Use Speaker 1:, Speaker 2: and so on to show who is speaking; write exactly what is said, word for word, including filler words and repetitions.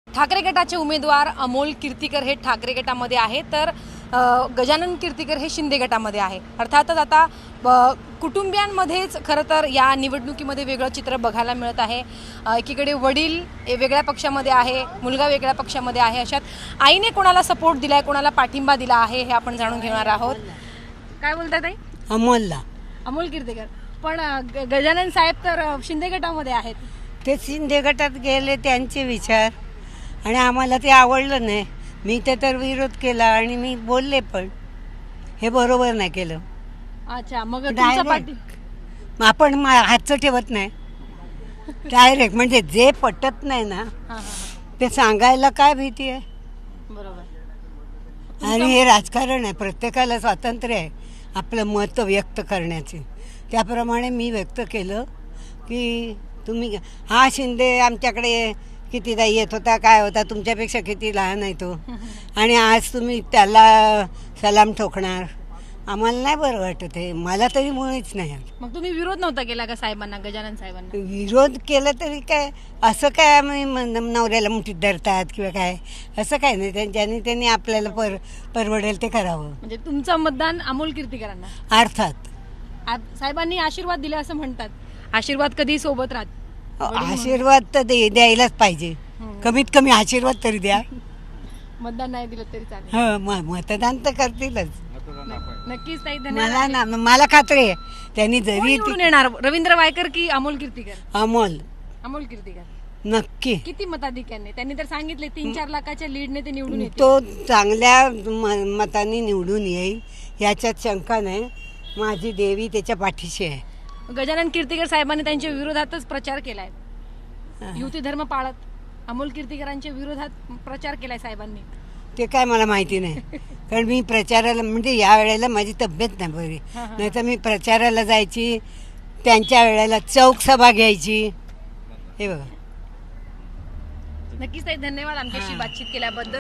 Speaker 1: ठाकरे गटाचे उमेदवार अमोल कीर्तीकर हे ठाकरे गटामध्ये आहे, तर गजानन कीर्तीकर हे शिंदे गटामध्ये आहे। अर्थातच आता कुटुंबियांमध्येच खरं तर या निवडणुकीमध्ये वेगळं चित्र बघायला मिळत आहे। एकीकडे वडील वेगळ्या पक्षामध्ये आहे, मुलगा वेगळ्या पक्षामध्ये आहे, अशात आईने कोणाला सपोर्ट दिलाय, कोणाला पाठिंबा दिला आहे हे आपण जाणून घेणार आहोत। काय बोलताय ताई?
Speaker 2: अमोलला
Speaker 1: अमोल कीर्तीकर, पण गजानन साहेब तर शिंदे गटामध्ये आहेत।
Speaker 2: ते शिंदे गटात गेले त्यांचे विचार आणि आम्हाला ते आवडलं नाही। मी ते तर विरोध केला आणि मी बोलले पण हे बरोबर नाही केलं।
Speaker 1: अच्छा, मग तुमचा पाठी
Speaker 2: आपण हातचं ठेवत नाही डायरेक्ट, म्हणजे जे पटत नाही ना ते सांगायला काय भीती आहे?
Speaker 1: बरोबर।
Speaker 2: आणि हे राजकारण आहे, प्रत्येकाला स्वातंत्र्य आहे आपलं मत व्यक्त करण्याचे। त्याप्रमाणे मी व्यक्त केलं की तुम्ही हा शिंदे आमच्याकडे कितीदा येत होता, काय होता, तुमच्यापेक्षा किती लहान आहे तो, आणि आज तुम्ही त्याला सलाम ठोकणार, आम्हाला नाही बरं वाटत आहे। मला तरी मुळीच नाही।
Speaker 1: मग तुम्ही विरोध नव्हता केला का साहेबांना, गजानन साहेबांना?
Speaker 2: विरोध केला तरी काय, असं काय आम्ही नवऱ्याला मुठीत धरतात किंवा काय, असं काय नाही। त्यांच्यानी त्यांनी आपल्याला पर परवडेल ते करावं।
Speaker 1: म्हणजे तुमचं मतदान अमोल कीर्तीकरांना?
Speaker 2: अर्थात
Speaker 1: साहेबांनी आशीर्वाद दिले असं म्हणतात, आशीर्वाद कधी सोबत राहत।
Speaker 2: आशीर्वाद तर द्यायलाच पाहिजे, कमीत कमी आशीर्वाद तरी द्या।
Speaker 1: मतदान नाही दिलं तरी चालेल?
Speaker 2: हो, मतदान तर करतीलच।
Speaker 1: नक्कीच ताई,
Speaker 2: मला ना मला खात्री आहे त्यांनी जरी
Speaker 1: येणार रवींद्र वायकर की अमोल कीर्तीकर?
Speaker 2: अमोल
Speaker 1: अमोल कीर्तीकर
Speaker 2: नक्की।
Speaker 1: किती मताधिक्याने? त्यांनी तर सांगितले तीन चार लाखाच्या लीडने ते निवडून येतील।
Speaker 2: तो चांगल्या मतांनी निवडून येईल याच्यात शंका नाही। माझी देवी त्याच्या पाठीशी आहे।
Speaker 1: गजानन कीर्तीकर साहेबांनी त्यांच्या विरोधातच प्रचार केलाय, युती धर्म पाळत अमोल कीर्तीकरांच्या विरोधात प्रचार केलाय साहेबांनी।
Speaker 2: ते काय मला माहिती नाही, कारण मी प्रचाराला, म्हणजे या वेळेला माझी तब्येत नाही बरी, नाही तर मी प्रचाराला जायची, त्यांच्या वेळेला चौक सभा घ्यायची। हे बघा।
Speaker 1: नक्कीच ताई, धन्यवाद आमच्याशी बातचीत केल्याबद्दल।